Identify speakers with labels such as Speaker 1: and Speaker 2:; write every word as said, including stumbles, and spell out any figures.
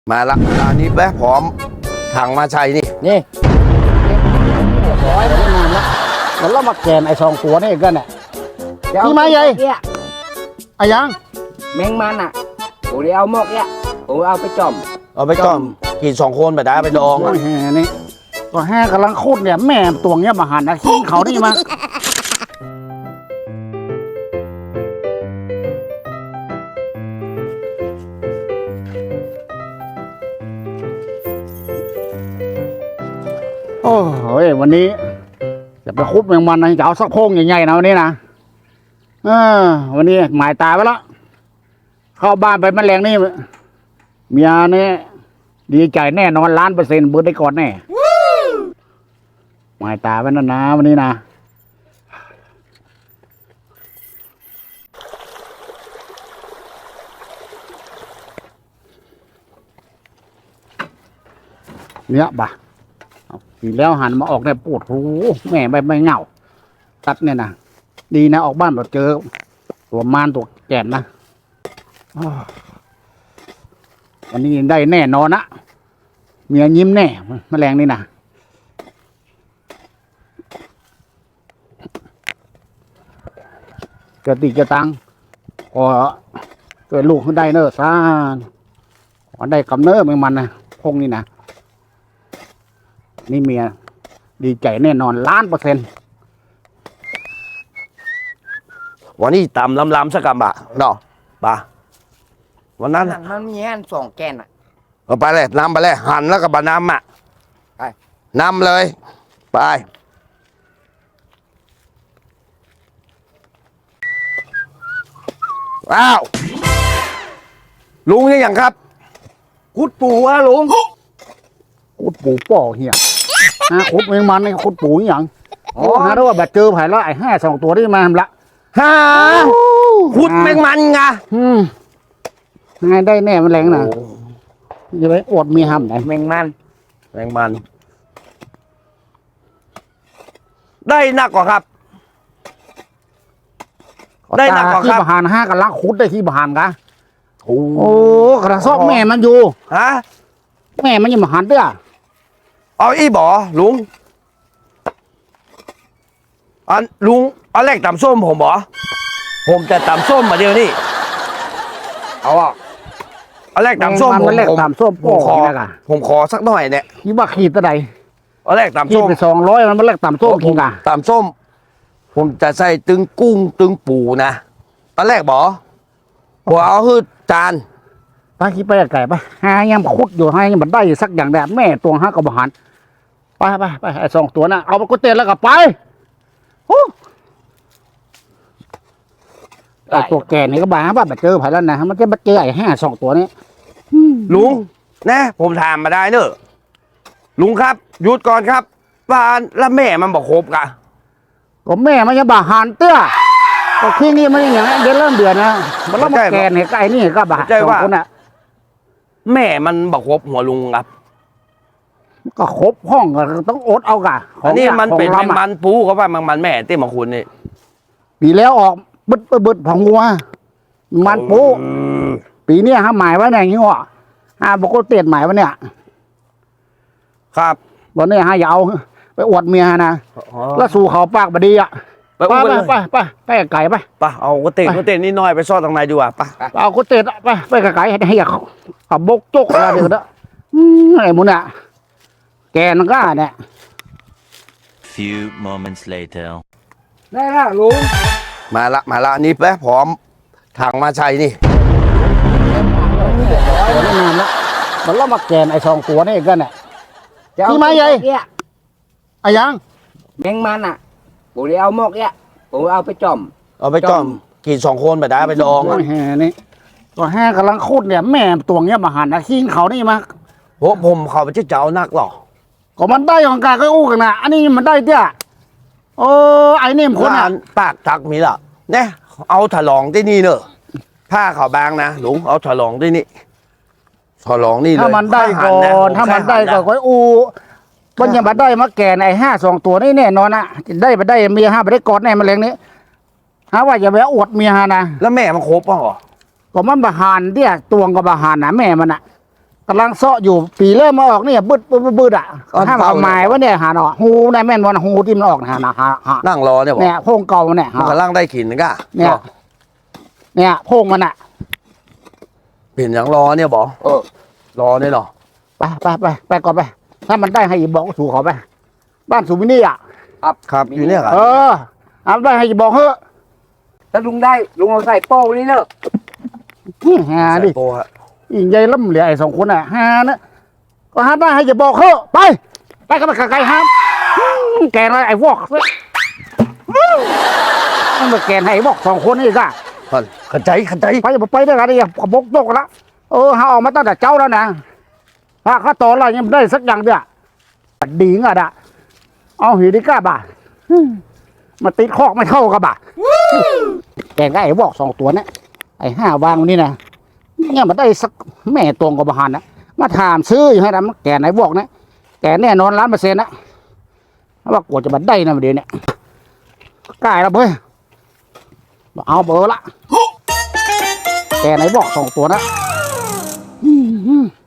Speaker 1: มาละอันนี้แป๊ะพร้อมถังมาใช้นี่
Speaker 2: นี่ร้อยไม่นานละแล้วเรามาแกนไอ้สองตัวนี่กันเนี่ยพี่มาใหญ่เนี่ยไอ้ยัง
Speaker 3: แมงมันอ่ะผมเลยเอาหมกเนี่ยผมเอาไปจ่อม
Speaker 1: เอาไปจ่อมกินสองคนแบบได้ไปดองอ่ะ
Speaker 2: นี่ก็แห่กำลังโคตรเนี่ยแม่ตัวเนี้ยมาหันนะขี้เขานี่มาโอ้ยวันนี้จะไปคุบแมงมันนะจะเอาสักโพงใหญ่ๆนะวันนี้นะเออวันนี้หมายตาไว้แล้วเข้าบ้านไปแมลงนี่เมียนี่ดีใจแน่นอนล้านเปอร์เซ็นต์เบิร์ดได้ก่อนแน่หมายตาไว้นะนะวันนี้นะเนี่ยบ่ะทีแล้วหันมาออกเนี่ยปวดหูแม่ไม่ไม่เหงาตัดเนี่ยนะดีนะออกบ้านแบบเจอตัวมารตัวแก่นนะวันนี้ได้แน่นอนนะเมียยิ้มแน่แมลงนี่นะเกิดติจะตังขอเกิดลูกขึ้นได้เนอะซ่าขอได้กำเนิดมันนะพงนี่นะนี่เมียดีใจแน่นอนล้านเปอร์เซ็นต์
Speaker 1: วันนี้ตำลำๆสักกำบะเนาะปะวันนั้น
Speaker 3: มันมีแค่สองแกนอ่ะ
Speaker 1: เอาไปเลยนำไปเลยหั่นแล้วก็บะนำอ่ะ
Speaker 3: ไป
Speaker 1: นำเลยไปอ้าวลุงยังครับคุดปูอะลุง
Speaker 2: คุดปูป่อเหี้ยนะคุดเมงมันนี่คุดปูอย่างโอ้ฮะด้วยว่าแบบเจอไผ่แล้วไอ้ห้าสองตัวที่มาละ
Speaker 1: ฮ่าคุดแมงมันไง
Speaker 2: อืมง่ายได้แน่มันแรงนะอย่าไปอดมีห้ำไหน
Speaker 3: แมงมัน
Speaker 1: แมงมันได้หนักกว่าครับได้หนักกว่าครับ
Speaker 2: ที่บหานห้ากันลักคุดได้ที่บหานกะโอ้กระซอกแม่มันอยู่
Speaker 1: ฮะ
Speaker 2: แม่มันยังบหานเด้อ
Speaker 1: เอาอีบ่อลุงอันลุงเอาแรกตำส้มผมบ่ผมจะตำส้มมาเดียวนี่เอาอ่ะเอาแรกตำส้ม
Speaker 2: ผมแรกตำส้ม
Speaker 1: ผมขอผมขอสักหน่อยเนี่ย
Speaker 2: ยี่บ้าขีดตัวใด
Speaker 1: เอาแรกตำส้มขีด
Speaker 2: ไปสองร้อยมันแรกตำส้มกินกัน
Speaker 1: ตำส้มผมจะใส่ตึงกุ้งตึงปูนะตอนแรกบ่ผมเอาคือจาน
Speaker 2: ป้าคิดไปไก่ปะหายังคุดอยู่ให้ยังมันได้สักอย่างแดดแม่ตัวห้ากับบหานไปไปไปไอ้สองตัวน่ะเอาไปกุเตนแล้วก็ไปไอ้ตัวแก่นี่ก็บ้าบ้าแบบเจอไผ่แล้วนะมันจะมาเจอไอ้ห้าสองตัวนี้
Speaker 1: ลุงนะผมถามมาได้เนอะลุงครับหยุดก่อนครับบ้านแล้วแม่มันบอกครบกะ
Speaker 2: ก็แม่มันยังบาหานเตี้ยก็ที่นี่มันอย่างนี้เดือนเริ่มเดือนนะมันเริ่มแก่เนี่ยไอ้นี่ก็บาสองคนน่ะ
Speaker 1: แม่มันบอกครบหัวลุงครับ
Speaker 2: ก็ครบห้องก็ต้องอดเอากะ
Speaker 1: อันนี้มันเป็นแมงมันปูเขาว่าแมงมันแม่เต้มาคุณนี่
Speaker 2: ปีแล้วออกบึดบึดผังงัวมันปูปีนี้ฮะหมายไว้ไหนงี้วะฮะบอกก็เตียนหมายไว้เนี่ย
Speaker 1: ครับ
Speaker 2: วันนี้ฮะอย่าเอาไปอวดเมียนะแล้วสู่เขาปากบดีอ่ะไปไปไปไปไปไก่ไป
Speaker 1: ไปเอาก็เตะก็เตะนิดหน่อยไปซ่อนตรงไหนดีกว่าไป
Speaker 2: เอาก็เตะไปไปไก่ให้อยากขับบกจกอะไรเดี๋ยวนะไอ้มุนอ่ะแกนก็เนี่ย
Speaker 4: Few moments later
Speaker 3: ได้ละลุง
Speaker 1: มาละมาละนี่แป๊ะพร้อมถังมาใช้นี่
Speaker 2: ไม่นานละมันล่อมาแกนไอ้สองตัวนี่กันเนี่ยที่มาใหญ่ไอ้ยัง
Speaker 3: แมงมันอ่ะผมเลยเอาหมกเนี่ยผมเอาไปจ่อม
Speaker 1: เอาไปจ่อมกินสองคนแบบได้ไปดอง
Speaker 2: แห่นี่ก็แห่กำลังโคตรเนี่ยแม่ตัวเนี้ยมาหันนะขี้เขานี่มา
Speaker 1: โอ้ผมเขาไปเจ้านักหรอ
Speaker 2: ก็มันได้ของกาก็อู้กันนะอันนี้มันได้เตี้ยโอ้ไอ้นี่มันคนอ่ะ
Speaker 1: ปากทักมีละเนี่ยเอาถลองที่นี่เนอะผ้าเขาบางนะหลวงเอาถลองที่นี่ถลองนี่เลย
Speaker 2: ถ้ามันได้ก่อนถ้ามันได้ก่อนก็อู้มันยังมาได้มาแก่ในห้าสองตัวนี่แน่นอนนะได้มาได้เมียห้าไปได้กอดแน่มาเลี้ยงนี้ฮะว่าอย่าไปอวดเมียฮะนะ
Speaker 1: แล้วแม่มันครบป่ะหรอ
Speaker 2: ก็มันบาหานเตี้ยตวงกับบาหานนะแม่มันอ่ะกำลังเซาะอยู่ปีเริ่มมาออกเนี่ยบึดบึดบึดบึดอ่ะห้ามเอาไม้วะเนี่ยหาเนาะหูในแม่นวันหูที่มันออกนะฮะนะฮะฮะ
Speaker 1: นั่งรอเนี่ยบอก
Speaker 2: เนี่ยโพงเก่าเนี่ย
Speaker 1: มัน
Speaker 2: ฮะ
Speaker 1: กำลังได้ขินนะกะ
Speaker 2: เนี่ยเนี่ยโพงมันอ่ะ
Speaker 1: เปลี่ยนอย่างรอเนี่ยบอก
Speaker 3: เออ
Speaker 1: รอเนี่ยเหรอ
Speaker 2: ไปไปไปไปก่อนไป ถ้ามันได้ให้อีบอกสู่เขาไป บ้านสุมินี่อ่ะ
Speaker 1: ครับอยู่เนี่ยครับ
Speaker 2: เออเอาได้ให้อีบอกเฮ้อะ
Speaker 3: ถ้าลุงได้ลุงเอาใส่โป้นี่เนอะ
Speaker 2: อื้อหาดิ
Speaker 1: ใส่โปรฮะ
Speaker 2: อีใหญ่ล่ำเหลือไอ้สองคนอ่ะหานะก็หาได้ให้อีบอกเฮ้อะไป ไปกันไปไกลๆห้ามอื้อแกนอะไรไอ้วอกเว้ยอื้อมันมาแกนให้ไอ้วอกสองคนนี่ก็
Speaker 1: ท่านขันใจขันใจ
Speaker 2: ไปอย่าไปด้วยกันดิขบกตกละเออหาออกมาตั้งแต่เจ้าแล้วนะถ้าข้าต่ออะไรยังไม่ได้สักอย่างเดียวดีงอ่ะดะเอาหีดีก้าบ่ามาติดคอกไม่เข้ากับบ่าแกงก็ไอ้บอกสองตัวเนี่ยไอ้ห้าวางนี่นะเนี่ยมันได้สักแม่ตรงกับบหันนะมาถามซื้ออยู่ให้นะแกไหนบอกนะแกแน่นอนล้านเปอร์เซ็นต์นะว่ากลัวจะมาได้นะเดี๋ยวนี้กล้าแล้วเพื่อเอาเบอร์ละแกไหนบอกสองตัวนะอืม